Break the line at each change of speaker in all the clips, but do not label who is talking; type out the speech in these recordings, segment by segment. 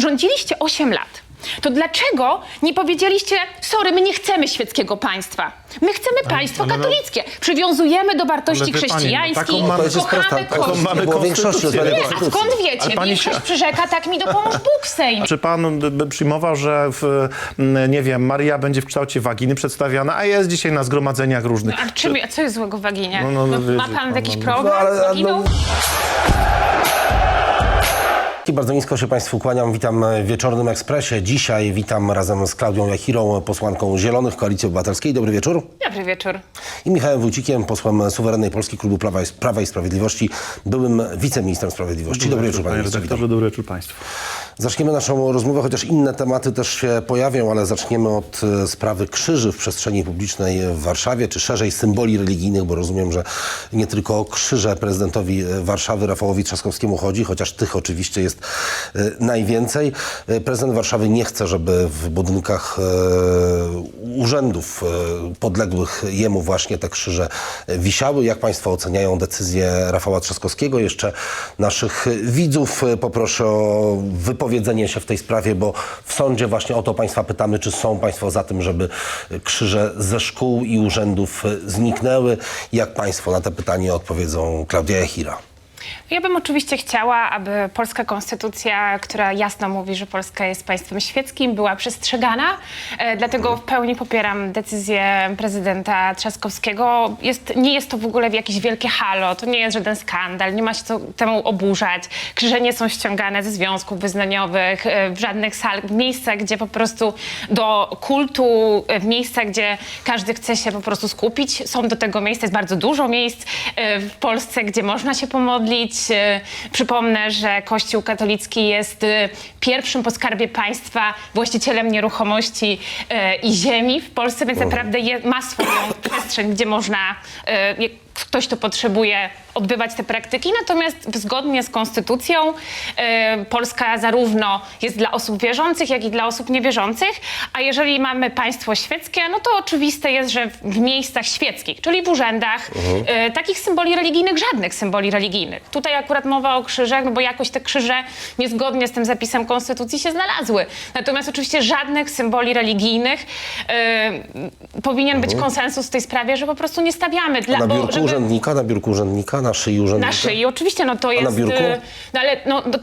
rządziliście 8 lat, to dlaczego nie powiedzieliście, sorry, my nie chcemy świeckiego państwa. My chcemy państwo katolickie. Przywiązujemy do wartości chrześcijańskich, kochamy Kościół.
Większości
A skąd wiecie? Większość przyrzeka, tak mi dopomóż Bóg w Sejmie.
Czy pan by przyjmował, że nie wiem, Maria będzie w kształcie waginy przedstawiana, a jest dzisiaj na zgromadzeniach różnych?
A co jest złego w waginie?
No,
Ma pan jakiś problem z waginą?
I bardzo nisko się Państwu kłaniam. Witam w Wieczornym Ekspresie. Dzisiaj witam razem z Klaudią Jachirą, posłanką Zielonych Koalicji Obywatelskiej. Dobry wieczór.
Dobry wieczór.
I Michałem Wójcikiem, posłem Suwerennej Polski Klubu Prawa i Sprawiedliwości, byłym wiceministrem sprawiedliwości. Dobry wieczór, panie redaktorze.
Dobry wieczór państwu.
Zaczniemy naszą rozmowę, chociaż inne tematy też się pojawią, ale zaczniemy od sprawy krzyży w przestrzeni publicznej w Warszawie, czy szerzej symboli religijnych, bo rozumiem, że nie tylko o krzyże prezydentowi Warszawy Rafałowi Trzaskowskiemu chodzi, chociaż tych oczywiście jest najwięcej. Prezydent Warszawy nie chce, żeby w budynkach urzędów podległych jemu właśnie te krzyże wisiały. Jak państwo oceniają decyzję Rafała Trzaskowskiego? Jeszcze naszych widzów poproszę o wypowiedzenie się w tej sprawie, bo w sądzie właśnie o to państwa pytamy, czy są państwo za tym, żeby krzyże ze szkół i urzędów zniknęły. Jak państwo na te pytanie odpowiedzą? Klaudia Jachira.
Ja bym oczywiście chciała, aby polska konstytucja, która jasno mówi, że Polska jest państwem świeckim, była przestrzegana. Dlatego w pełni popieram decyzję prezydenta Trzaskowskiego. Nie jest to w ogóle jakieś wielkie halo, to nie jest żaden skandal, nie ma się temu oburzać. Krzyże nie są ściągane ze związków wyznaniowych, w żadnych salach, w miejscach, gdzie po prostu do kultu, w miejscach, gdzie każdy chce się po prostu skupić. Są do tego miejsca, jest bardzo dużo miejsc w Polsce, gdzie można się pomodlić. Przypomnę, że Kościół katolicki jest pierwszym po skarbie państwa właścicielem nieruchomości i ziemi w Polsce, więc naprawdę ma swoją przestrzeń, gdzie można, ktoś to potrzebuje, odbywać te praktyki. Natomiast zgodnie z konstytucją Polska zarówno jest dla osób wierzących, jak i dla osób niewierzących, a jeżeli mamy państwo świeckie, no to oczywiste jest, że w miejscach świeckich, czyli w urzędach, takich symboli religijnych, żadnych symboli religijnych. Tutaj akurat mowa o krzyżach, no bo jakoś te krzyże niezgodnie z tym zapisem konstytucji się znalazły. Natomiast oczywiście żadnych symboli religijnych. Powinien być konsensus w tej sprawie, że po prostu nie stawiamy.
Na biurku urzędnika, na szyi urzędnika?
Na szyi, oczywiście, no to jest...
A na biurku?
No ale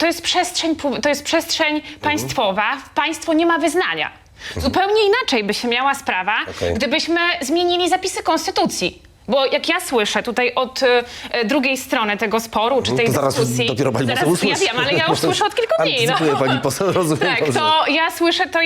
to jest przestrzeń państwowa. Państwo nie ma wyznania. Zupełnie inaczej by się miała sprawa, gdybyśmy zmienili zapisy konstytucji. Bo jak ja słyszę tutaj od drugiej strony tego sporu, czy tej dyskusji...
Dopiero pani poseł usłyszy.
Ja wiem, ale ja już słyszę od kilku dni.
Antycypuje pani poseł, rozumiem.
Tak, to ja słyszę to,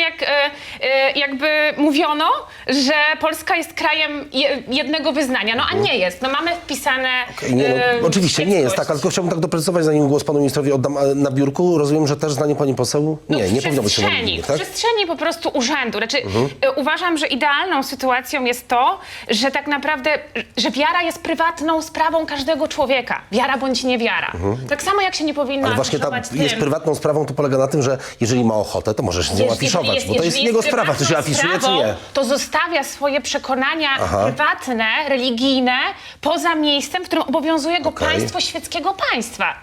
jakby mówiono, że Polska jest krajem jednego wyznania. No a nie jest. No mamy wpisane...
Oczywiście nie jest tak, ale tylko chciałbym tak doprecyzować, zanim głos panu ministrowi oddam. Na biurku rozumiem, że też zdanie pani poseł? Nie powinno być to
w przestrzeni po prostu urzędu. Znaczy, uważam, że idealną sytuacją jest to, że tak naprawdę... że wiara jest prywatną sprawą każdego człowieka. Wiara bądź niewiara. Tak samo jak się nie powinno
ale właśnie jest prywatną sprawą, to polega na tym, że jeżeli ma ochotę, to może się z nią afiszować, bo to jest jego sprawa, czy się afiszuje, czy nie.
To zostawia swoje przekonania prywatne, religijne poza miejscem, w którym obowiązuje go państwo świeckiego państwa.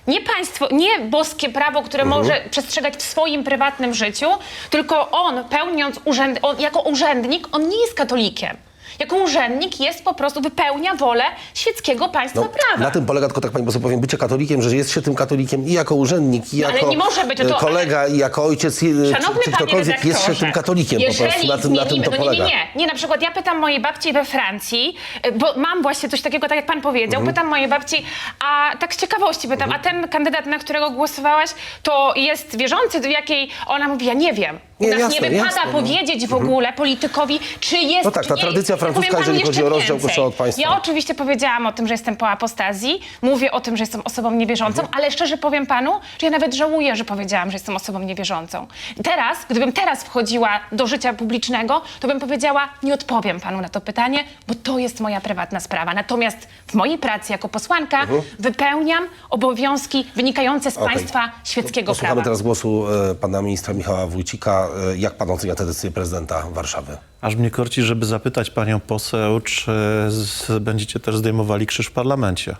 Nie boskie prawo, które może przestrzegać w swoim prywatnym życiu, tylko on, pełniąc jako urzędnik, on nie jest katolikiem. Jako urzędnik wypełnia wolę świeckiego państwa prawa.
Na tym polega, tylko tak pani poseł powiem, bycie katolikiem, że jest się tym katolikiem i jako urzędnik, i jako
nie może być,
kolega, i jako ojciec, czy ktokolwiek jest się tym katolikiem po prostu. Na tym to polega.
Nie, na przykład ja pytam mojej babci we Francji, bo mam właśnie coś takiego, tak jak pan powiedział, pytam mojej babci, a tak z ciekawości pytam, a ten kandydat, na którego głosowałaś, to jest wierzący, do jakiej ona mówi, ja nie wiem. U nas nie wypada powiedzieć w ogóle politykowi, czy jest,
no tak, ta tradycja francuska, jeżeli chodzi o rozdział Kościoła od państwa.
Ja oczywiście powiedziałam o tym, że jestem po apostazji, mówię o tym, że jestem osobą niewierzącą, ale szczerze powiem panu, że ja nawet żałuję, że powiedziałam, że jestem osobą niewierzącą. Gdybym teraz wchodziła do życia publicznego, to bym powiedziała, nie odpowiem panu na to pytanie, bo to jest moja prywatna sprawa. Natomiast w mojej pracy jako posłanka wypełniam obowiązki wynikające z państwa świeckiego prawa.
Posłuchamy teraz głosu pana ministra Michała Wójcika. Jak pan ocenia tę decyzję prezydenta Warszawy?
Aż mnie korci, żeby zapytać panią poseł, czy będziecie też zdejmowali krzyż w parlamencie.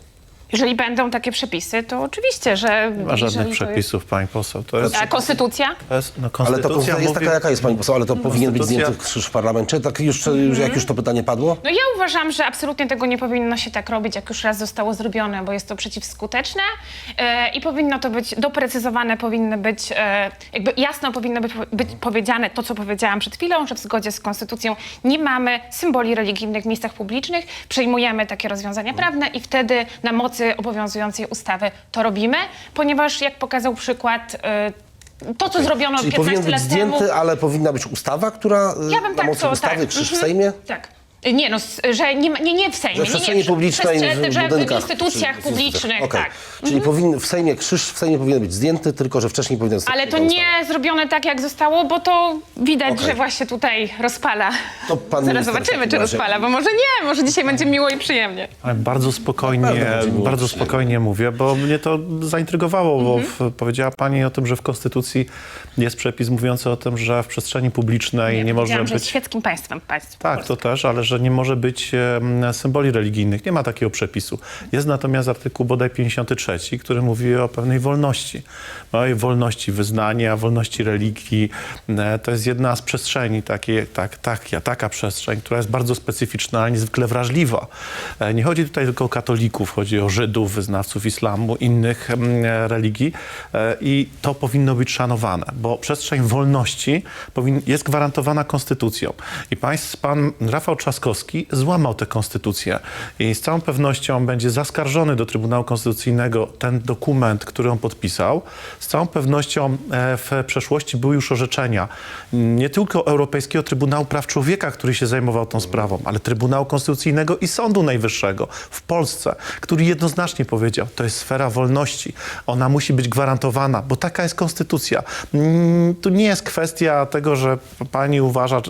Jeżeli będą takie przepisy, to oczywiście, że...
Nie ma żadnych
jeżeli to
przepisów, pani poseł. To jest,
A konstytucja?
to jest no,
Ale
konstytucja
to jest taka, jaka jest pani poseł, ale to powinien być
konstytucja-
zdjęty krzyż w parlamencie? Tak jak już to pytanie padło?
No ja uważam, że absolutnie tego nie powinno się tak robić, jak już raz zostało zrobione, bo jest to przeciwskuteczne i powinno to być doprecyzowane, powinny być, jakby jasno powinno być powiedziane to, co powiedziałam przed chwilą, że w zgodzie z konstytucją nie mamy symboli religijnych w miejscach publicznych, przejmujemy takie rozwiązania prawne i wtedy na mocy obowiązującej ustawy to robimy, ponieważ jak pokazał przykład, to, co zrobiono
Czyli
15
powinien być
lat temu...
zdjęty, ale powinna być ustawa, która
Ja bym
na
tak
mocy
to,
ustawy
tak.
krzyż w Sejmie?
Tak. Nie, no, że nie w Sejmie.
Że w przestrzeni publicznej,
że
w budynkach.
w instytucjach publicznych,
Okej.
tak.
Czyli w Sejmie krzyż w Sejmie powinien być zdjęty, tylko że wcześniej powinien zostać
Ale to
przyjęta
nie zrobione tak, jak zostało, bo to widać,
Okej.
że właśnie tutaj rozpala.
To pan
Zaraz
minister w
zobaczymy,
takim
czy
razie-
rozpala, bo może nie, może dzisiaj będzie miło i przyjemnie.
Ale bardzo spokojnie mówię, bo mnie to zaintrygowało, bo powiedziała pani o tym, że w Konstytucji jest przepis mówiący o tym, że w przestrzeni publicznej nie może
Powiedziałam, że
być...
jest świeckim państwem państwo.
Tak, to też, ale że nie może być symboli religijnych. Nie ma takiego przepisu. Jest natomiast artykuł bodaj 53, który mówi o pewnej wolności. Małej wolności wyznania, wolności religii. To jest jedna z przestrzeni, taka przestrzeń, która jest bardzo specyficzna, ale niezwykle wrażliwa. Nie chodzi tutaj tylko o katolików, chodzi o Żydów, wyznawców islamu, innych religii i to powinno być szanowane, bo przestrzeń wolności jest gwarantowana konstytucją. I pan Rafał Trzaskowski złamał tę konstytucję i z całą pewnością będzie zaskarżony do Trybunału Konstytucyjnego ten dokument, który on podpisał. Z całą pewnością w przeszłości były już orzeczenia nie tylko Europejskiego Trybunału Praw Człowieka, który się zajmował tą sprawą, ale Trybunału Konstytucyjnego i Sądu Najwyższego w Polsce, który jednoznacznie powiedział, to jest sfera wolności. Ona musi być gwarantowana, bo taka jest konstytucja. Tu nie jest kwestia tego, że pani uważa,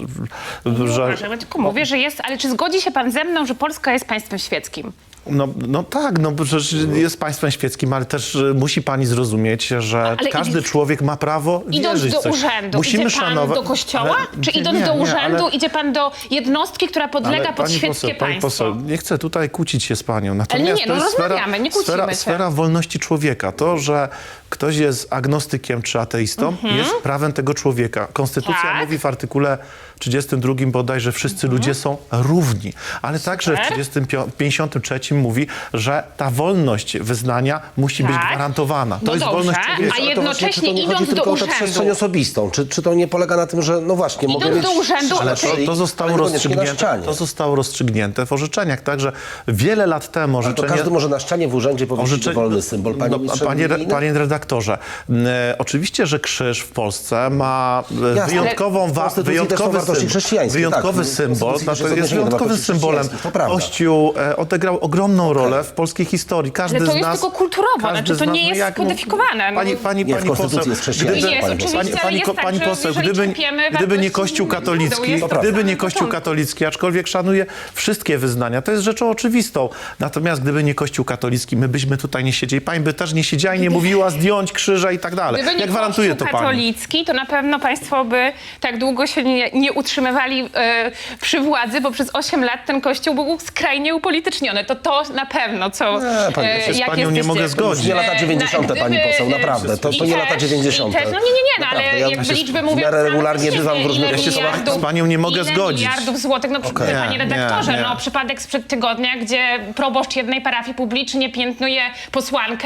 że...
Ja tylko mówię, że jest, ale czy zgodzi się pan ze mną, że Polska jest państwem świeckim?
No tak, no bo przecież jest państwem świeckim, ale też musi pani zrozumieć, że
Ale
każdy człowiek ma prawo
Idąc
wierzyć
do
w coś.
urzędu,
Musimy
idzie pan
szanować...
do kościoła?
Ale-
Czy idąc
nie,
do
nie,
urzędu
ale-
idzie pan do jednostki, która podlega
ale
pod
pani
świeckie
poseł, pani
państwo?
poseł, nie chcę tutaj kłócić się z panią. Natomiast
nie,
to
no
jest
rozmawiamy, nie kłócimy się.
sfera wolności człowieka. To, że ktoś jest agnostykiem czy ateistą, jest prawem tego człowieka. Konstytucja
Tak.
mówi w artykule 32 bodaj, że wszyscy ludzie są równi. Ale także w 53 mówi, że ta wolność wyznania musi być
Tak.
gwarantowana. To
No
jest
dobrze,
wolność człowieka.
a
Ale to właśnie, czy to
jednocześnie
nie chodzi
idąc do
tylko o tę przestrzeń
urzędu.
osobistą? Czy to nie polega na tym, że no właśnie, mogę
Idąc
mieć
do urzędu,
krzyż na
Ale
szyi,
to zostało
ale niekoniecznie na
rozstrzygnięte,
ścianie.
to zostało rozstrzygnięte w orzeczeniach. Także wiele lat temu
Ale to
orzeczenie...
każdy może na ścianie w urzędzie powiesić wolny symbol. Panie ministrze, religijny?
Panie redaktorze, oczywiście, że krzyż w Polsce ma wyjątkową,
W Konstytucji też są wartości chrześcijańskie,
wyjątkowy
tak.
symbol,
W Konstytucji
znaczy
też
jest
odniesienie do
wyjątkowym
wartości
symbolem.
chrześcijańskich, to prawda.
Kościół odegrał ogromną rolę w polskiej historii. Każdy
Ale to
z
jest
nas,
tylko kulturowo,
każdy
znaczy
z
to
nas,
nie
no
jest
jak-
kodyfikowane. No.
Pani
Nie, w Konstytucji
poseł,
jest chrześcijaństwo,
Jest,
pani
oczywiście,
poseł.
ale jest tak,
pani
że
poseł,
jeżeli czerpiemy
gdyby nie
wartości
Kościół
Budą,
katolicki,
jest to
gdyby
na
nie Kościół
początku.
katolicki, aczkolwiek szanuje wszystkie wyznania, to jest rzeczą oczywistą. Natomiast gdyby nie Kościół katolicki, my byśmy tutaj nie siedzieli. Pani by też nie siedziała i nie mówiła zdjąć krzyża i tak dalej.
Gdyby nie
Ja gwarantuję to
Kościół
pani.
katolicki, to na pewno państwo by tak długo się nie utrzymywali przy władzy, bo przez 8 lat ten Kościół był skrajnie upolityczniony. To na pewno, co...
Nie, pani, ja się
z
jak
panią nie
jesteście-
mogę
To
zgodzić.
nie lata 90. pani poseł, naprawdę. To nie lata 90.
No nie, no ale
Naprawdę, ja
jakby
się
liczby
w
mówią...
miarę
same
regularnie
za
bywam w
siebie.
różnych
Ile
kościołach.
Z panią nie mogę
ile
zgodzić.
miliardów złotych, no panie redaktorze,
nie.
no przypadek sprzed tygodnia, gdzie proboszcz jednej parafii publicznie piętnuje posłankę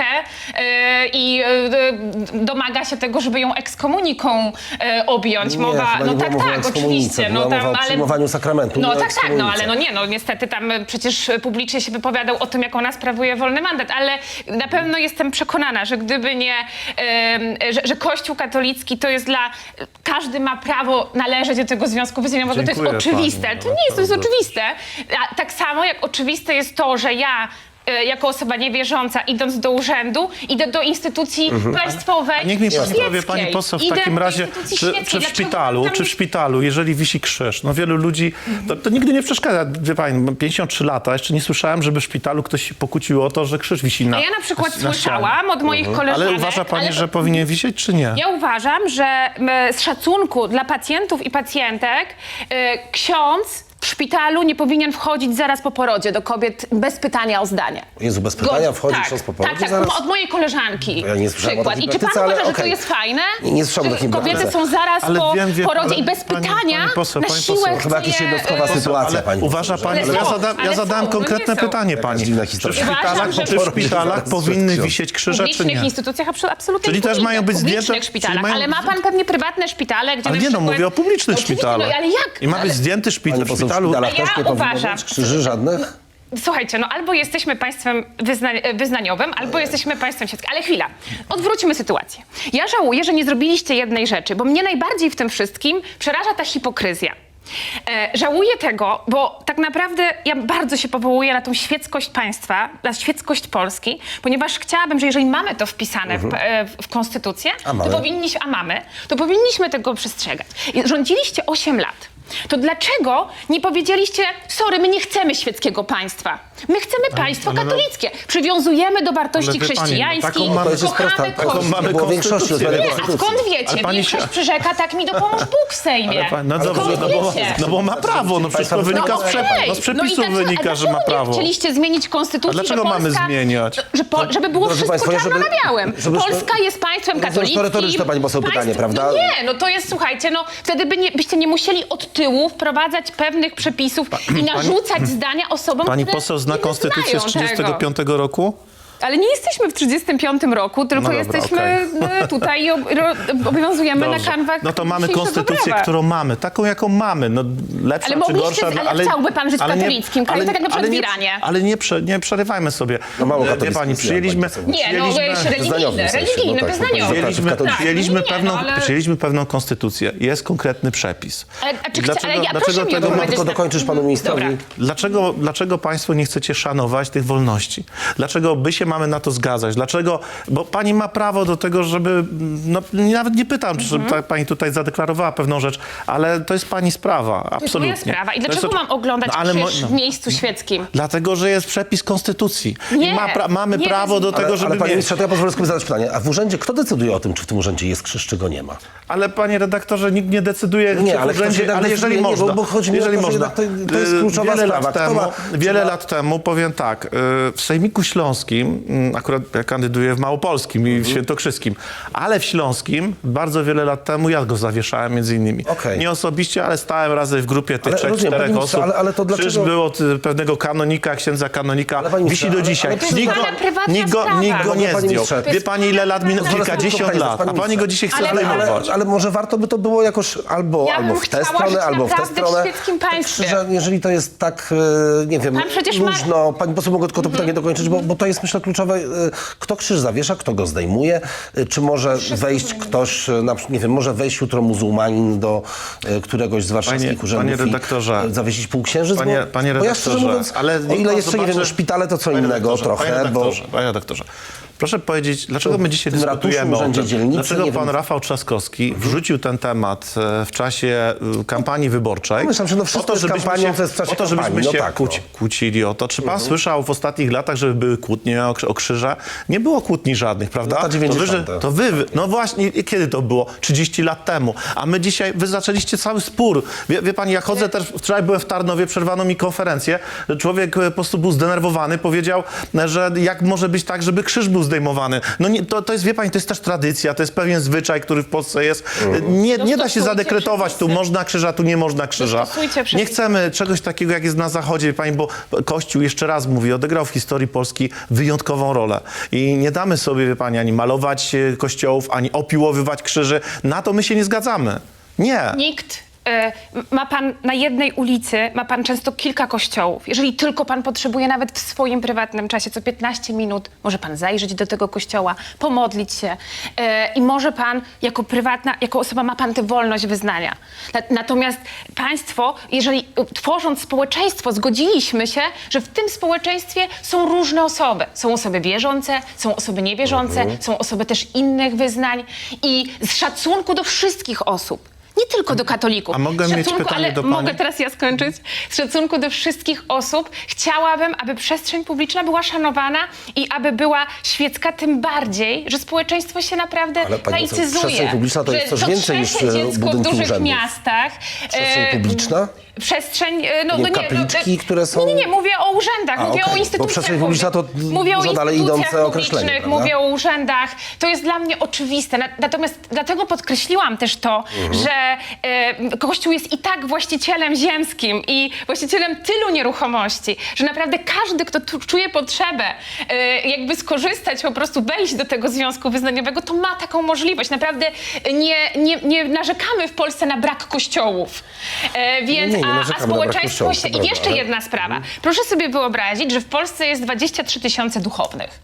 i domaga się tego, żeby ją ekskomuniką objąć.
Nie,
Mowa,
chyba
no
nie
tak,
była mowa o
tak,
ekskomunice,
oczywiście.
była
No
mowa o
tam, ale
przyjmowaniu sakramentu,
no
nie o
tak, tak, no
ekskomunice.
ale no nie, no niestety tam przecież publicznie się wypowiadał o tym, jak ona sprawuje wolny mandat, ale na pewno jestem przekonana, że gdyby nie, że Kościół katolicki to jest dla, każdy ma prawo należeć do tego związku wyznaniowego, to jest
Dziękuję
oczywiste,
pani,
to nie jest, to jest
naprawdę.
oczywiste. A tak samo jak oczywiste jest to, że ja jako osoba niewierząca, idąc do urzędu, idę do instytucji państwowej.
A niech mi pani
świeckiej.
powie, pani poseł, w
Idę
takim
do
razie,
instytucji
czy
świeckiej.
w
Dlaczego
szpitalu,
tam
czy w
nie-
szpitalu, jeżeli wisi krzyż, no wielu ludzi, to nigdy nie przeszkadza. Wie pani, mam 53 lata, jeszcze nie słyszałem, żeby w szpitalu ktoś się pokłócił o to, że krzyż wisi na
A ja na przykład
ścianie.
słyszałam od moich koleżanek...
Ale uważa pani,
ale-
że powinien wisieć, czy nie?
Ja uważam, że z szacunku dla pacjentów i pacjentek ksiądz w szpitalu nie powinien wchodzić zaraz po porodzie do kobiet bez pytania o zdanie.
Jezu, bez pytania wchodzi
tak,
ksiądz po porodzie
tak,
zaraz?
od mojej koleżanki
Ja nie słyszałem o
przykład.
takiej
I czy pan
praktyce, ale
uważa, że to
okej.
jest fajne?
Nie słyszałem o
Że
takiej
kobiety
praktyce.
są zaraz
Ale
po
wiem,
porodzie
ale
i bez
pani
pytania
poseł,
na
pani
siłę
poseł.
chce
Chyba jakaś
je,
jednostkowa sytuacja, pani
uważa
poseł,
pani,
ale
ja,
są,
ja zadałem
no
konkretne
nie są.
pytanie pani.
dziwna
Czy w
historia.
Uważam, że
szpitalach,
w
szpitalach powinny wisieć
w
krzyże, czy
publicznych
nie?
instytucjach absolutnie
Czyli
nie
też
powinny.
mają być
w
zdjęte-
publicznych szpitalach,
czyli mają-
ale ma pan pewnie prywatne szpitale, gdzie
Ale
na
nie, no
przykład...
mówię o publicznych
Oczywiście,
szpitalach.
No, ale jak?
I ma być zdjęty szpital
Pani
w
poseł, w
szpitalu.
szpitalach
Ja
też nie powinno
uważam-
być krzyży żadnych?
Słuchajcie, no albo jesteśmy państwem wyznaniowym, albo jesteśmy państwem świeckim. Ale chwila, odwróćmy sytuację. Ja żałuję, że nie zrobiliście jednej rzeczy, bo mnie najbardziej w tym wszystkim przeraża ta hipokryzja. Żałuję tego, bo tak naprawdę ja bardzo się powołuję na tą świeckość państwa, na świeckość Polski, ponieważ chciałabym, że jeżeli mamy to wpisane w konstytucję, to powinniśmy tego przestrzegać. I rządziliście 8 lat. To dlaczego nie powiedzieliście, sorry, my nie chcemy świeckiego państwa. My chcemy państwo katolickie. Przywiązujemy do wartości
Ale wie pani, no
chrześcijańskich,
taką mamy-
To jest prosta,
kochamy
taką
Kościół.
mamy
było większości
konstytucję.
rozmawiania
Nie, a
konstytucji.
skąd wiecie?
Ale pani
Większość
się-
przyrzeka, tak mi dopomóż Bóg w Sejmie.
No dobrze,
Skąd
no bo ma
wiecie?
prawo, no przecież to
Państwo-
wynika z,
Okej.
no z przepisów
a
wynika, że ma
dlaczego
prawo.
nie chcieliście zmienić konstytucji,
A dlaczego
że
mamy
Polska,
zmieniać?
Żeby było
Drodzy
wszystko
państwo,
czarno na białym.
żeby-
Polska jest państwem
Rozumiem, że to
katolickim.
retoryczne, pani poseł, pytanie, prawda?
No nie, no to jest, słuchajcie, no wtedy byście nie musieli od tyłu wprowadzać pewnych przepisów i narzucać zdania osobom,
Pani
które
poseł zna
nie
konstytucję z
wyznają
1935 roku?
Ale nie jesteśmy w 1935 roku, tylko
No dobra,
jesteśmy tutaj i obowiązujemy
Dobrze.
na kanwach
No to mamy
dzisiejszego
konstytucję,
prawa.
którą mamy, taką jaką mamy. No, lepsza
Ale
czy
mogliście,
gorsza.
ale chciałby pan żyć w
ale
katolickim kraju, tak jak na przykład w
nie-
Iranie.
Ale nie przerywajmy sobie.
No mało
Wie
katolicki
pani,
jest
przyjęliśmy...
Iranie, pani
Nie, no
Wyznaniowy w sensie,
religijny,
no tak,
wyznaniowy.
Przyjęliśmy,
Tak. No nie,
przyjęliśmy pewną konstytucję. Jest konkretny przepis.
Ale ja, proszę mi
tego
odpowiedzieć
Tylko
na-
dokończysz panu ministrowi.
Dobra.
Dlaczego państwo nie chcecie szanować tych wolności? Dlaczego my się mamy na to zgadzać? Dlaczego? Bo pani ma prawo do tego, żeby... No, nawet nie pytam, czy pani tutaj zadeklarowała pewną rzecz, ale to jest pani sprawa,
To jest
absolutnie.
moja sprawa. I
To jest
dlaczego mam oglądać krzyż w
no.
miejscu świeckim?
Dlatego, że jest przepis konstytucji.
Nie,
I mamy
nie,
prawo do tego, żeby
Ale panie
mieć.
ministrze, to ja pozwolę sobie zadać pytanie. A w urzędzie, kto decyduje o tym, czy w tym urzędzie jest krzyż, czy go nie ma?
Ale panie redaktorze, nikt nie decyduje,
Nie,
czy w
ale ktoś
urzędzie,
jednak
ale jeżeli
decyduje, nie,
można.
bo chodzi mi o
jeżeli
to, że
można.
jednak to jest kluczowa sprawa.
Wiele lat temu, powiem tak, w Sejmiku Śląskim, akurat ja kandyduję w Małopolskim i w Świętokrzyskim, ale w Śląskim bardzo wiele lat temu ja go zawieszałem między innymi.
Okej.
Nie osobiście, ale stałem razem w grupie tych
Ale
trzech,
rozumiem,
czterech
panie ministrze,
osób.
ale to
Krzyż
dlaczego-
był od pewnego kanonika, księdza kanonika,
Ale panie
wisi
ministrze,
do dzisiaj.
ale to jest
Nikt
pana prywatna
nikt
sprawa.
go
Panie
nie zdjął.
ministrze,
Wie pani, ile lat minęło?
Zaraz
Kilkadziesiąt
tylko
lat.
panie
A pani go dzisiaj chce
Ale-
zdejmować.
Ale może warto by to było jakoś albo
Ja bym
w tę
chciała
stronę,
żyć
albo w tę
naprawdę w
stronę.
świeckim państwie.
Krzyża, jeżeli to jest tak, nie wiem,
Pan przecież ma-
luźno, pani poseł, mogę tylko to pytanie dokończyć, bo to jest, myślę, kluczowe. Kto krzyż zawiesza, kto go zdejmuje? Czy może wejść ktoś, nie wiem, może wejść jutro muzułmanin do któregoś z warszawskich
Panie
urzędów
redaktorze,
i zawiesić półksiężyc?
Panie
Bo ja szczerze
redaktorze,
mówiąc,
ale
o
niech
ile
pan
jeszcze, nie wiem, no
zobaczy-
szpitale to co
Panie
innego
redaktorze,
trochę, bo...
Panie redaktorze, proszę powiedzieć, dlaczego my dzisiaj
w tym ratuszu,
dyskutujemy o
urzędzie
tym?
dzielnicy,
Dlaczego
nie
pan
wiem.
Rafał Trzaskowski wrzucił ten temat w czasie kampanii wyborczej?
Myślę, że no wszystko jest kampanią, to jest w czasie
po to, żebyśmy
kampanii, no
się
tak, no.
kłócili o to. Czy pan słyszał w ostatnich latach, żeby były kłótnie o krzyże? Nie było kłótni żadnych, prawda?
Lata 90.
To wy, no właśnie, kiedy to było? 30 lat temu. A my dzisiaj, wy zaczęliście cały spór. Wie pani, ja chodzę też, wczoraj byłem w Tarnowie, przerwano mi konferencję. Człowiek po prostu był zdenerwowany, powiedział, że jak może być tak, żeby krzyż był zdejmowany. No nie, to jest, wie pani, to jest też tradycja, to jest pewien zwyczaj, który w Polsce jest. Nie da się
Dostosujcie
zadekretować, tu
przepisy.
można krzyża, tu nie można krzyża.
Dostosujcie
Nie
przepisy.
chcemy czegoś takiego, jak jest na Zachodzie, wie pani, bo Kościół, jeszcze raz mówię, odegrał w historii Polski wyjątkową rolę. I nie damy sobie, wie pani, ani malować kościołów, ani opiłowywać krzyży. Na to my się nie zgadzamy. Nie.
Nikt. Ma pan na jednej ulicy, ma pan często kilka kościołów. Jeżeli tylko pan potrzebuje, nawet w swoim prywatnym czasie, co 15 minut, może pan zajrzeć do tego kościoła, pomodlić się i może pan jako osoba ma pan tę wolność wyznania. Natomiast państwo, jeżeli tworząc społeczeństwo, zgodziliśmy się, że w tym społeczeństwie są różne osoby. Są osoby wierzące, są osoby niewierzące, są osoby też innych wyznań i z szacunku do wszystkich osób. Nie tylko do katolików.
A mogę mieć pytanie
ale
do pani?
mogę teraz ja skończyć? Z szacunku do wszystkich osób chciałabym, aby przestrzeń publiczna była szanowana i aby była świecka, tym bardziej, że społeczeństwo się naprawdę
Ale pani poseł,
laicyzuje.
przestrzeń publiczna to jest
Że
coś
co
więcej niż
trzecie dziecko w
budynki
dużych
urzędów.
miastach.
Przestrzeń publiczna?
przestrzeń...
kapliczki, które są...
Nie, mówię o urzędach, mówię
okej.
o
Bo
instytucjach
przestrzeń publiczna to
mówię o
dużo dalej
instytucjach
idące określenie,
publicznych,
prawda?
mówię o urzędach. To jest dla mnie oczywiste. Natomiast dlatego podkreśliłam też to, że Kościół jest i tak właścicielem ziemskim i właścicielem tylu nieruchomości, że naprawdę każdy, kto tu czuje potrzebę jakby skorzystać, po prostu wejść do tego związku wyznaniowego, to ma taką możliwość. Naprawdę nie narzekamy w Polsce na brak kościołów. Więc,
Nie narzekamy na brak
społeczeństwo
kościołów,
się...
to
I jeszcze
prawda,
jedna sprawa. Proszę sobie wyobrazić, że w Polsce jest 23 000 duchownych.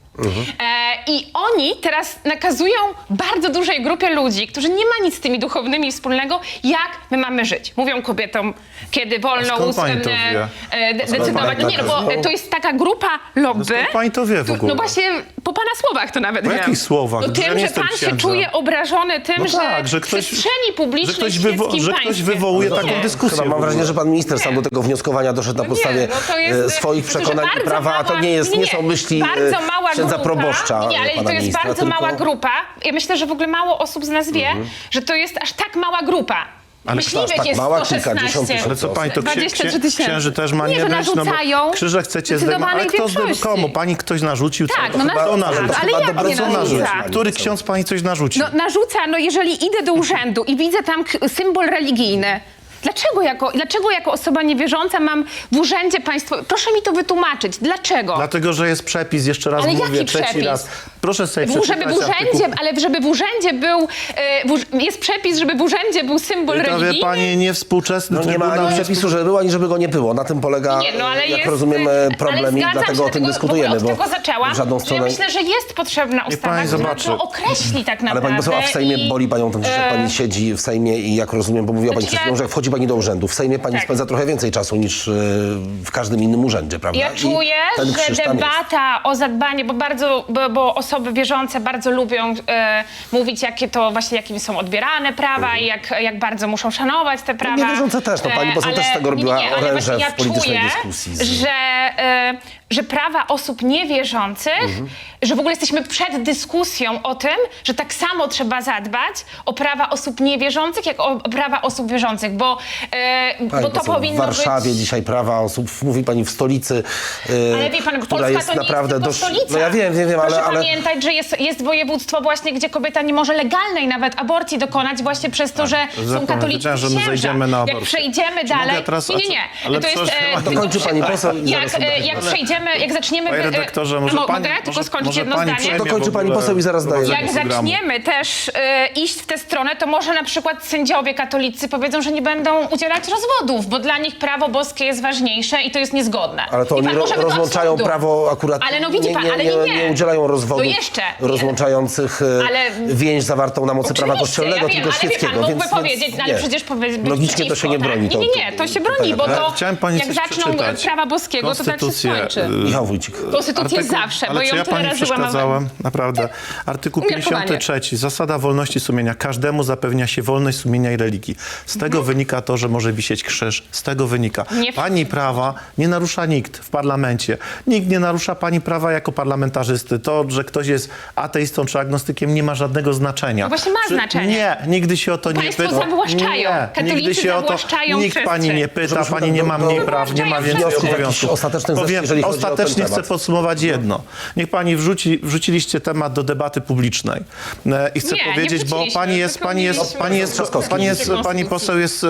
I oni teraz nakazują bardzo dużej grupie ludzi, którzy nie ma nic z tymi duchownymi wspólnego, jak my mamy żyć. Mówią kobietom, kiedy wolno
skąd pani to wie?
decydować.
pani
Nie,
tak
bo
wie?
to jest taka grupa lobby.
skąd pani to wie w ogóle?
No właśnie, po pana słowach to nawet
Po
wiem.
jakich słowach?
No
Że ja
tym,
nie
że
jestem
pan się
księdzem.
czuje obrażony tym,
No tak,
że
że
w
ktoś-
przestrzeni publicznej w świeckim
że ktoś
państwie.
wywołuje
Nie.
taką dyskusję.
Chyba mam wrażenie, że pan minister sam
Nie.
do tego wnioskowania doszedł na podstawie
to jest,
swoich
to, że
przekonań i
bardzo
prawa, a to
mała-
nie są myśli
bardzo mała
księdza
grupa,
proboszcza
Nie, ale
pana
to jest
ministra,
bardzo
tylko...
mała grupa. Ja myślę, że w ogóle mało osób z nas wie, że to jest aż tak mała grupa.
Ale
Myśliwych
tak
jest
mała,
116.
kilkadziesiąt tysięcy.
Ale co pani to
23 000.
księży też ma
Nie, że
być? No bo
narzucają
krzyże chcecie zdejmować. Ale
zdecydowanej
kto
większości.
komu? Pani ktoś narzucił?
Tak,
co?
no
Kto
narzuca,
narzucił?
ale jak
Dobra,
nie
co
narzuca?
narzuca?
Który ksiądz pani coś narzucił?
No narzuca, jeżeli idę do urzędu i widzę tam symbol religijny, dlaczego jako osoba niewierząca mam w urzędzie państwowym? Proszę mi to wytłumaczyć. Dlaczego?
Dlatego, że jest przepis, jeszcze raz
Ale
mówię,
jaki
trzeci
przepis?
raz. Proszę sobie
Żeby
przeczytać
w urzędzie, ale żeby w urzędzie był, jest przepis, żeby w urzędzie był symbol
To wie
religijny?
pani, niewspółczesny
No nie ma
trybunał.
ani przepisu, żeby było, ani żeby go nie było. Na tym polega,
Nie, no ale
jak
jest,
rozumiem, problem
ale
i
zgadzam
dlatego
się,
o tym
dlatego
dyskutujemy,
od
bo
tego zaczęłam,
w żadną
że
stronę...
ja myślę, że jest potrzebna ustawa,
pani
która
zobaczy.
to określi tak naprawdę.
Ale pani poseł, a w Sejmie boli panią ten krzyż, jak pani siedzi w Sejmie i jak rozumiem, bo mówiła pani
Znaczy
przed chwilą, że jak wchodzi pani do urzędu, w Sejmie pani
Tak.
spędza trochę więcej czasu niż w każdym innym urzędzie, prawda?
Ja
I
czuję,
ten krzyż
że
tam jest.
debata o zadbanie, bo osoby wierzące bardzo lubią mówić, jakim są odbierane prawa i jak bardzo muszą szanować te prawa.
Niewierzące też, no pani poseł też z tego robiła
ale
oręże
właśnie
w politycznej
czuję,
dyskusji.
że prawa osób niewierzących, że w ogóle jesteśmy przed dyskusją o tym, że tak samo trzeba zadbać o prawa osób niewierzących, jak o prawa osób wierzących, bo
Pani
to
poseł,
powinno
w Warszawie
być...
dzisiaj prawa osób, mówi pani w stolicy,
Ale wie pan,
która
Polska
jest
to nie
naprawdę
jest tylko
dość...
stolica.
No ja wiem,
Proszę
ale...
pamiętać, że jest województwo właśnie, gdzie kobieta nie może legalnej nawet aborcji dokonać właśnie przez to, że są katoliccy
wiedziałem, że my
księża.
zejdziemy na
Jak
aborcję.
przejdziemy
Czy
dalej...
mogę teraz-
Nie.
ale
To jest
proszę,
tylko
dokończy pani
przykład.
poseł i zaraz
Jak przejdziemy, jak zaczniemy...
Panie redaktorze, może pani...
Mogę tylko skończyć
może
jedno
pani
zdanie?
przejmie
Dokończy
w
pani
ogóle
poseł i zaraz daję.
prowadzenie
Jak
programu.
zaczniemy też iść w tę stronę, to może na przykład sędziowie katolicy powiedzą, że nie będą udzielać rozwodów, bo dla nich prawo boskie jest ważniejsze i to jest niezgodne.
Ale to
I
oni
pan może by do
rozłączają
absurdu.
prawo akurat...
Ale no widzi pan, ale
nie udzielają rozwodów
To jeszcze.
rozłączających
Ale-
więź zawartą na mocy prawa
Oczywiście,
kościelnego,
ja wiem,
tylko
ale wie
świeckiego.
pan, mógłby
więc
powiedzieć, no ale
nie.
przecież powiedzieć
Logicznie to się nie broni.
Nie, to się broni, bo to
Chciałem pani
jak
coś
zaczną
przeczytać.
prawa boskiego, to tak się
Konstytucję,
skończy.
Michał Wójcik.
Konstytucję zawsze,
ale
bo
czy
ją
ja
tyle
pani
razy łamałem.
przeszkadzałem? Naprawdę. Artykuł
Umiarkowanie.
53. Zasada wolności sumienia. Każdemu zapewnia się wolność sumienia i religii. Z tego wynika to, że może wisieć krzyż. Z tego wynika.
Nie
Pani prawa nie narusza nikt w parlamencie. Nikt nie narusza pani prawa jako parlamentarzysty. To, że ktoś jest ateistą czy agnostykiem, nie ma żadnego znaczenia.
No właśnie ma znaczenie.
Nie, nigdy się o to nie
Państwo
pyta.
zawłaszczają.
Nie,
Katolicy
nigdy się o to...
zawłaszczają
Nikt pani
przestrzeń.
nie pyta,
Żebyśmy
pani nie ma
do-
mniej praw, nie ma
zawłaszczają
więcej
wniosków
obowiązków.
jakichś ostatecznych, jeżeli chodzi o ten
Ostatecznie chcę
temat.
podsumować jedno. Niech pani wrzuciliście temat do debaty publicznej. I chcę
Nie, nie
powiedzieć, bo
wrzuciliśmy, tylko
pani poseł jest,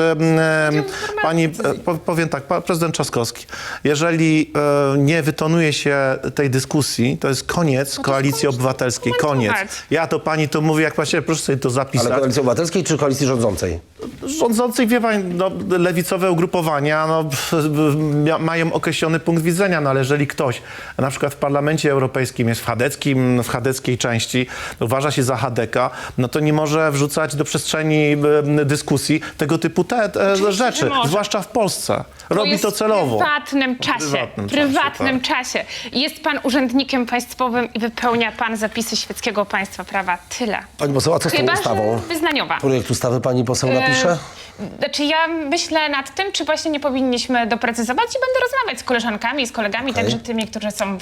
powiem tak, prezydent Trzaskowski. Jeżeli nie wytonuje się tej dyskusji, to jest koniec Koalicji Obywatelskiej. Koniec.
komentować.
Ja to pani to mówię, jak właściwie proszę sobie to zapisać.
Ale Koalicji Obywatelskiej czy Koalicji Rządzącej?
Rządzących, wie pani, no, lewicowe ugrupowania mają określony punkt widzenia, no ale jeżeli ktoś na przykład w Parlamencie Europejskim jest w chadeckiej części, uważa się za chadeka, no to nie może wrzucać do przestrzeni dyskusji tego typu rzeczy,
może.
zwłaszcza w Polsce. Robi
jest
to celowo.
W prywatnym czasie.
Prywatnym
czasie. Jest pan urzędnikiem państwowym i wypełnia pan zapisy świeckiego państwa prawa. Tyle.
Pani poseł, a co z tą
Chyba,
ustawą?
że wyznaniowa.
Projekt ustawy pani poseł napisała. pisze?
Znaczy ja myślę nad tym, czy właśnie nie powinniśmy doprecyzować i będę rozmawiać z koleżankami, z kolegami, także tymi, którzy są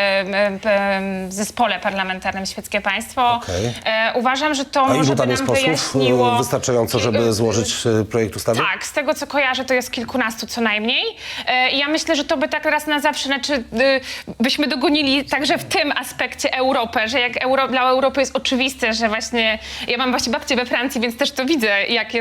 w zespole parlamentarnym Świeckie Państwo.
Okej.
Uważam, że to
A
może
ilu
by
tam
nam
jest posłów
wyjaśniło...
wystarczająco, żeby złożyć projekt ustawy?
Tak, z tego co kojarzę, to jest kilkunastu co najmniej. I ja myślę, że to by tak raz na zawsze, byśmy dogonili także w tym aspekcie Europę, że jak dla Europy jest oczywiste, że właśnie, ja mam właśnie babcię we Francji, więc też to widzę,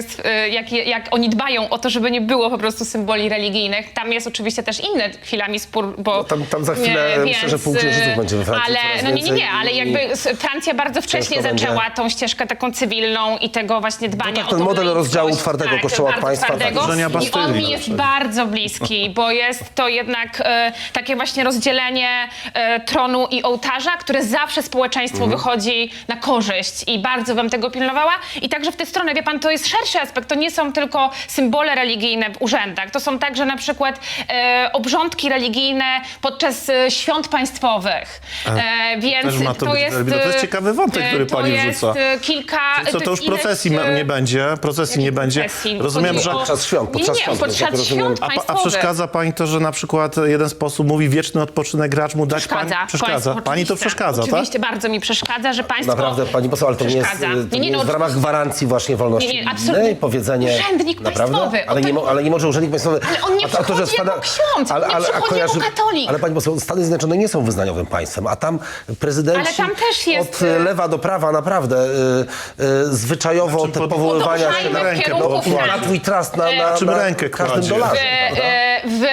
jak oni dbają o to, żeby nie było po prostu symboli religijnych. Tam jest oczywiście też inny chwilami spór, bo...
No tam za chwilę myślę, że pół księżyców będzie we Francji.
Ale,
coraz więcej
ale jakby Francja bardzo wcześnie
będzie.
zaczęła tą ścieżkę taką cywilną i tego właśnie dbania
No tak,
o
ten
tą
model
laickość.
rozdziału twardego Kościoła od
bardzo
państwa,
twardego.
tak,
Żenia
I
Bastylii
on mi
na
jest
przykład.
bardzo bliski, bo jest to jednak takie właśnie rozdzielenie tronu i ołtarza, które zawsze społeczeństwu wychodzi na korzyść i bardzo bym tego pilnowała. I także w tę stronę, wie pan, to jest szerszy aspekt, to nie są tylko symbole religijne w urzędach, to są także na przykład obrządki religijne podczas świąt państwowych. Więc
Też ma to
jest...
jest ciekawy wątek, który pani wrzuca.
To jest kilka...
Co to już procesji nie będzie? Procesji nie będzie.
procesji?
Rozumiem,
Chodzi
że...
o-
Podczas świąt, podczas świąt,
podczas
jak rozumiem.
świąt
A
państwowych.
przeszkadza pani to, że na przykład jeden sposób mówi wieczny odpoczynek racz mu dać pani? Przeszkadza. Pani to przeszkadza, tak?
Oczywiście, bardzo mi przeszkadza, że państwo...
Naprawdę, pani poseł, ale to nie jest,
przeszkadza.
to nie jest w ramach gwarancji właśnie wolności
Nie, absolutnie.
religijnej, powiedzenie...
Urzędnik
Naprawdę?
państwowy.
Ale nie może urzędnik państwowy...
Ale on nie przychodzi jako ksiądz, on nie przychodzi jako katolik.
Ale pani poseł, Stany Zjednoczone nie są wyznaniowym państwem, a tam prezydenci
Ale tam też jest-
od lewa do prawa naprawdę zwyczajowo
Znaczy,
te powoływania się
podążajmy
na
w kierunku
na twój trust, na
czym rękę
każdym
kładzie?
dolarze. prawda?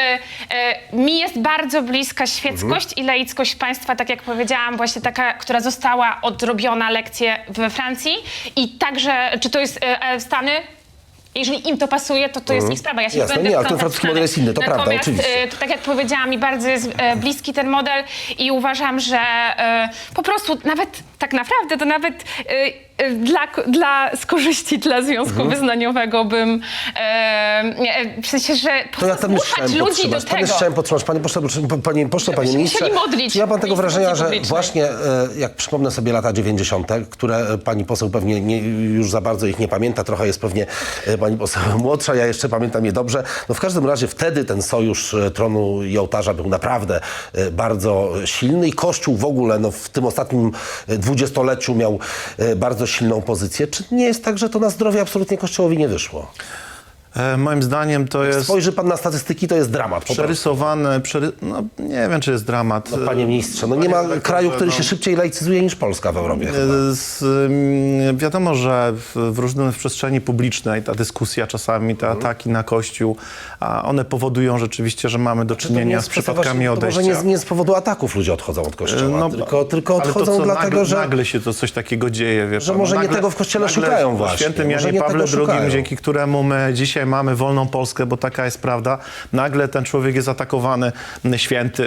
Mi jest bardzo bliska świeckość i laickość państwa, tak jak powiedziałam, właśnie taka, która została odrobiona lekcje we Francji i także, czy to jest Stany? Jeżeli im to pasuje, to jest ich sprawa. Ja się
Jasne,
będę
nie, ale ten
wtrącać
francuski
w Stany.
model jest inny, to prawda,
Natomiast,
oczywiście.
to tak jak powiedziałam, mi bardzo jest bliski ten model i uważam, że po prostu nawet, tak naprawdę, to nawet z korzyści dla związku wyznaniowego bym, w sensie, że
To ja tam już
zmuszać
chciałem
ludzi do
podtrzymać. Tam już
tego.
chciałem podtrzymać. Panie pośle, panie
Byśmy
ministrze,
musieli modlić
czy ja mam tego
w
wrażenia,
instytucji
że
publicznej.
właśnie jak przypomnę sobie lata 90., które pani poseł pewnie już za bardzo ich nie pamięta, trochę jest pewnie pani poseł młodsza, ja jeszcze pamiętam je dobrze. No w każdym razie wtedy ten sojusz tronu i ołtarza był naprawdę bardzo silny i Kościół w ogóle w tym ostatnim dwudziestoleciu miał bardzo silną pozycję. Czy nie jest tak, że to na zdrowie absolutnie Kościołowi nie wyszło?
Moim zdaniem to jest
Spojrzy pan na statystyki, to jest dramat. Po prostu.
przerysowane, no nie wiem, czy jest dramat.
Panie ministrze, no nie ma kraju, który się szybciej laicyzuje niż Polska w Europie chyba.
Wiadomo, że w przestrzeni publicznej ta dyskusja czasami, te ataki na Kościół, a one powodują rzeczywiście, że mamy do
To nie
czynienia
jest
z
kwestia
przypadkami
właśnie- to
odejścia.
może nie z powodu ataków ludzie odchodzą od Kościoła, tylko
ale
odchodzą
to,
dlatego, że...
nagle się to coś takiego dzieje, wie
że
pan.
może nie tego w Kościele szukają
po
właśnie,
świętym
może
Janie
nie
Pawle
tego szukają.
II, dzięki któremu my dzisiaj mamy wolną Polskę, bo taka jest prawda, nagle ten człowiek jest atakowany, święty.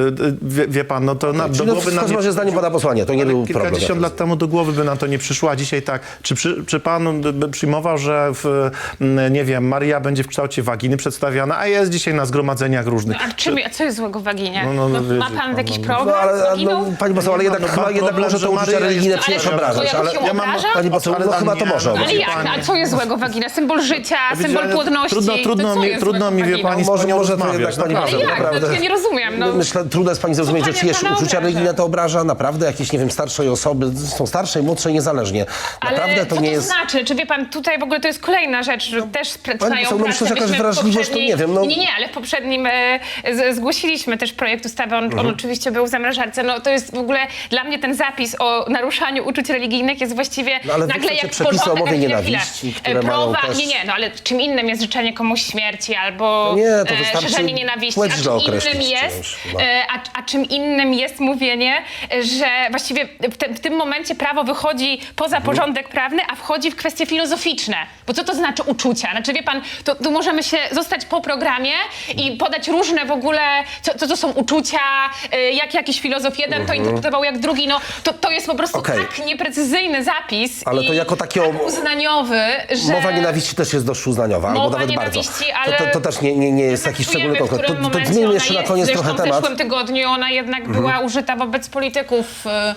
Wie pan, no to do
Czyli
głowy
w
nam
każdym razie zdaniem pana posła nie, to nie był problem.
kilkadziesiąt lat temu do głowy by nam to nie przyszło, a dzisiaj tak. Czy pan by przyjmował, że nie wiem, Maria będzie w kształcie waginy przedstawiana, a jest dzisiaj na zgromadzeniach różnych?
A co jest złego w waginie?
No,
Ma
wiecie,
pan jakiś
no,
problem
No ale,
z waginą?
pani poseł, ale jednak,
mam
chyba jednak
problem,
może
że
to uczucia
Maria
religijne
jest-
przynieść
Ale
obrażać.
to
Ale
się obraża?
pani poseł, no chyba to może
nie,
Ale
obrażać.
jak? A co jest złego wagina? Symbol życia, symbol
Ale
płodności.
Trudno mi, wie pani, z
Może
panią
to
rozmawiać,
jednak pani
naprawdę.
poseł,
Jak?
naprawdę.
No, ja nie rozumiem. No.
Myślę, trudno jest pani zrozumieć, że
panie
czyjeś
pana
uczucia
obraża?
religijne to obraża. Naprawdę jakieś, nie wiem, starszej osoby, są starsze i młodsze niezależnie. Naprawdę
Ale
to
co
nie
to
jest...
znaczy? Czy wie pan, tutaj w ogóle to jest kolejna rzecz, że też trwają
poseł, no myślę, że jakaś
Myśmy w
wrażliwość, to nie wiem, no.
Nie, ale w poprzednim zgłosiliśmy też projekt ustawy, on oczywiście był w zamrażarce. No to jest w ogóle, dla mnie ten zapis o naruszaniu uczuć religijnych jest właściwie
No, ale wy
nagle
chcecie
jak
przepisy o
porządek,
mowie
chwilę.
nienawiści, które mają też...
Nie, no ale czym innym jest życzenie komuś śmierci albo
No nie, to wystarczy
szerzenie nienawiści,
płeć
a czym
źle
innym
określić
jest,
czymś, no.
a czym innym jest mówienie, że właściwie w tym momencie prawo wychodzi poza porządek prawny, a wchodzi w kwestie filozoficzne. Bo co to znaczy uczucia? Znaczy wie pan, tu możemy się zostać po programie i podać różne w ogóle, co to są uczucia, jak jakiś filozof jeden to interpretował jak drugi, no to jest po prostu
Okej.
tak nieprecyzyjny zapis
Ale to
i
jako takie
tak uznaniowy, że...
Mowa nienawiści też jest dość uznaniowa, albo
Mowa
nawet bardzo.
nienawiści, ale
To też nie jest jakiś szczególny
Traktujemy, w
konkret.
którym
To
momencie
zmieńmy
ona
jeszcze na
jest.
koniec
Zresztą
trochę
w
temat.
zeszłym tygodniu ona jednak była użyta wobec polityków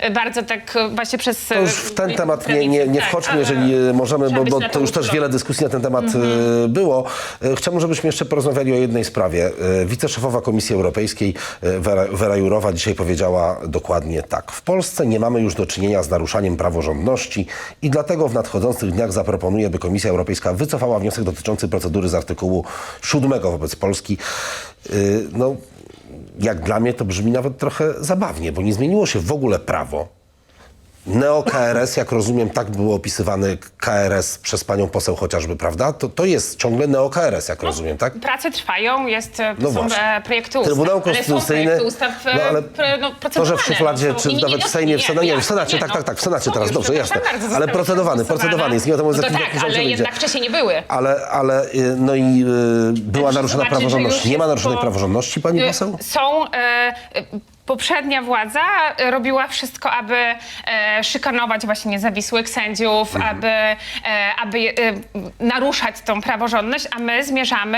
bardzo tak właśnie przez...
To już w ten temat nie wchodźmy, jeżeli możemy, bo to już też wiele dyskusji na ten temat było. Chciałbym, żebyśmy jeszcze porozmawiali o jednej sprawie. Wiceszefowa Komisji Europejskiej Vera Jourová dzisiaj powiedziała dokładnie tak. W Polsce nie mamy już do czynienia z naruszaniem praworządności i dlatego w nadchodzących dniach zaproponuje, by Komisja Europejska wycofała wniosek dotyczący procedury z artykułu 7 wobec Polski. No, jak dla mnie to brzmi nawet trochę zabawnie, bo nie zmieniło się w ogóle prawo. Neo-KRS, jak rozumiem, tak było opisywany KRS przez panią poseł chociażby, prawda? To jest ciągle neo-KRS, jak rozumiem, tak?
Prace trwają,
No
są
właśnie.
projekty ustaw.
Trybunał Konstytucyjny,
ale są projekty ustaw
ale
procedowane.
to, że w szufladzie,
są-
czy
nie,
nawet w Sejmie, w Senacie, w Senacie, tak, w Senacie teraz, dobrze, jasne. Ale procedowany jest, nie wiadomo,
no
z
to
jakim
tak,
zakresem
ale
wyjdzie.
jednak wcześniej nie były.
Ale no i była
Także
naruszona
zobaczyć, że
praworządność.
już
Nie ma
jest
naruszonej
po-
praworządności, pani poseł?
Są... Poprzednia władza robiła wszystko, aby szykanować właśnie niezawisłych sędziów, aby naruszać tą praworządność, a my zmierzamy,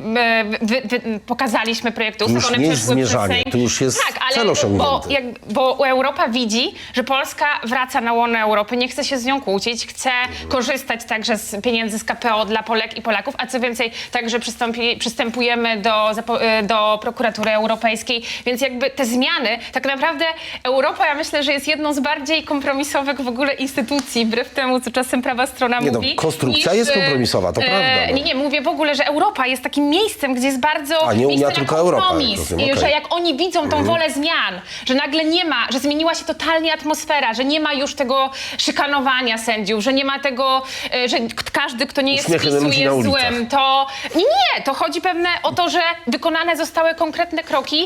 pokazaliśmy projekty ustaw,
już
one
nie jest
przeszły przez
zmierzanie,
Sejm.
to już jest
tak,
cel osiągnięty.
bo Europa widzi, że Polska wraca na łono Europy, nie chce się z nią kłócić, chce korzystać także z pieniędzy z KPO dla Polek i Polaków, a co więcej, także przystępujemy do prokuratury europejskiej, więc jakby te zmiany, tak naprawdę Europa, ja myślę, że jest jedną z bardziej kompromisowych w ogóle instytucji, wbrew temu, co czasem prawa strona
Nie,
mówi.
konstrukcja jest kompromisowa, to prawda. No.
Nie, mówię w ogóle, że Europa jest takim miejscem, gdzie jest bardzo
A nie Unia,
miejsce na
tylko Europa,
kompromis.
jak rozumiem,
I że
okej.
jak oni widzą tą wolę zmian, że nagle nie ma, że zmieniła się totalnie atmosfera, że nie ma już tego szykanowania sędziów, że nie ma tego, że każdy, kto nie jest z
Uśmiechy
PiSu,
ludzi na
jest
ulicach.
złym, to... Nie, to chodzi pewne o to, że wykonane zostały konkretne kroki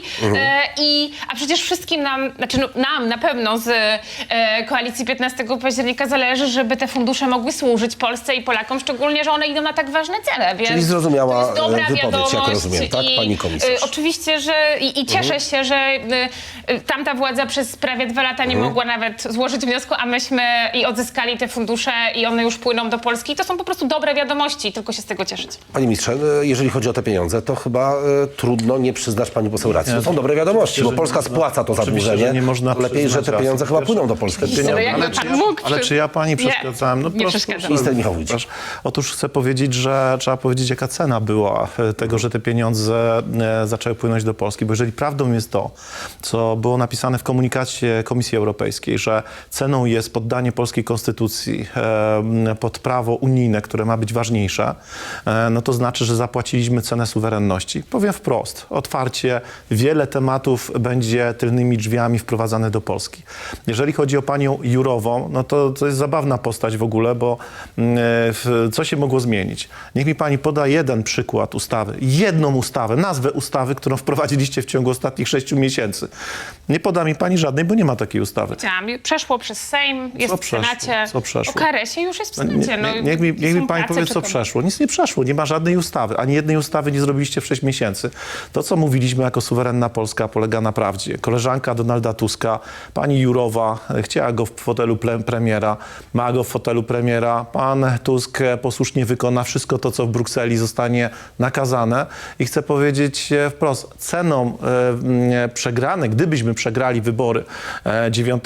a przecież wszystkim nam, znaczy nam na pewno z koalicji 15 października zależy, żeby te fundusze mogły służyć Polsce i Polakom, szczególnie, że one idą na tak ważne cele, więc
Czyli zrozumiała
to jest dobra
wypowiedź, jak
wiadomość
rozumiem, tak, pani komisarz?
Oczywiście, że i cieszę się, że tamta władza przez prawie 2 lata nie mogła nawet złożyć wniosku, a myśmy i odzyskali te fundusze i one już płyną do Polski. I to są po prostu dobre wiadomości, tylko się z tego cieszyć.
Panie ministrze, jeżeli chodzi o te pieniądze, to chyba trudno nie przyznać pani poseł racji. To są dobre wiadomości, bo Polska spłaca to zadłużenie.
że nie można
Lepiej, że
przyznać
te
racji.
pieniądze chyba płyną do Polski.
Ale jakby pan mógł
Ale czy ja pani przeszkadzałem? No
nie
proszę,
przeszkadzam.
Minister Michał Wójcik.
proszę. Otóż chcę powiedzieć, że trzeba powiedzieć, jaka cena była tego, że te pieniądze zaczęły płynąć do Polski. Bo jeżeli prawdą jest to, co było napisane w komunikacie Komisji Europejskiej, że ceną jest poddanie polskiej konstytucji pod prawo unijne, które ma być ważniejsze, no to znaczy, że zapłaciliśmy cenę suwerenności. Powiem wprost, otwarcie, wiele tematów będzie tylnymi drzwiami wprowadzane do Polski. Jeżeli chodzi o panią Jourową, no to jest zabawna postać w ogóle, bo co się mogło zmienić? Niech mi pani poda jeden przykład ustawy, jedną ustawę, nazwę ustawy, którą wprowadziliście w ciągu ostatnich 6 miesięcy. Nie poda mi pani żadnej, bo nie ma takiej ustawy.
Przeszło przez Sejm, jest
Co
w
przeszło?
Senacie.
Co przeszło?
O KRS-ie już jest w Senacie.
Niech mi
Są
pani
prace,
powie, co
czekamy.
przeszło. Nic nie przeszło, nie ma żadnej ustawy. Ani jednej ustawy nie zrobiliście w 6 miesięcy. To, co mówiliśmy jako suwerenna Polska, polega na prawdzie. Koleżanka Donalda Tuska, pani Jourová chciała go w fotelu premiera, ma go w fotelu premiera. Pan Tusk posłusznie wykona wszystko to, co w Brukseli zostanie nakazane. I chcę powiedzieć wprost, ceną przegranej, gdybyśmy przegrali wybory 9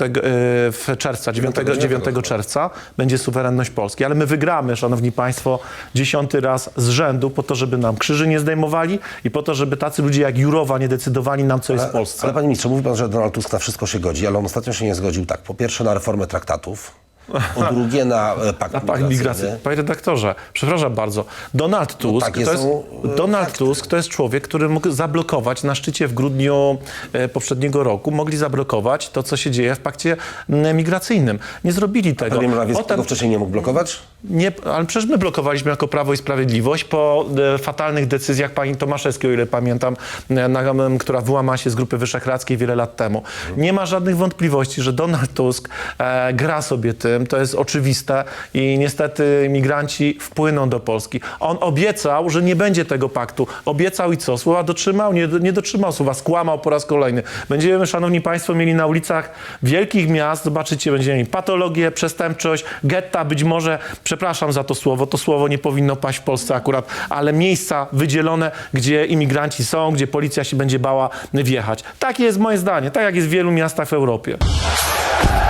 czerwca, będzie suwerenność Polski. Ale my wygramy, szanowni państwo, 10. raz z rzędu po to, żeby nam krzyży nie zdejmowali i po to, żeby tacy ludzie jak Jourová nie decydowali nam, co jest w Polsce.
Ale panie ministrze, mówi pan, że Donald Tusk na wszystko się godzi, ale on ostatnio się nie zgodził tak. Po pierwsze na reformę traktatów, po drugie na pakt migracyjny.
Migracji. Panie redaktorze, przepraszam bardzo. Donald Tusk,
takie
to jest,
są,
Donald Tusk to jest człowiek, który mógł zablokować na szczycie w grudniu poprzedniego roku, mogli zablokować to, co się dzieje w pakcie migracyjnym. Nie zrobili tego.
Premier Morawiecki
Potem-
tego wcześniej nie mógł blokować?
Nie, ale przecież my blokowaliśmy jako Prawo i Sprawiedliwość po fatalnych decyzjach pani Tomaszewskiej, o ile pamiętam, która wyłamała się z Grupy Wyszehradzkiej wiele lat temu. Nie ma żadnych wątpliwości, że Donald Tusk gra sobie tym, tym, to jest oczywiste i niestety migranci wpłyną do Polski. On obiecał, że nie będzie tego paktu. Obiecał i co? Słowa dotrzymał? Nie dotrzymał słowa. Skłamał po raz kolejny. Będziemy, szanowni państwo, mieli na ulicach wielkich miast, zobaczycie, będziemy mieli patologię, przestępczość, getta być może, przepraszam za to słowo nie powinno paść w Polsce akurat, ale miejsca wydzielone, gdzie imigranci są, gdzie policja się będzie bała wjechać. Takie jest moje zdanie, tak jak jest w wielu miastach w Europie.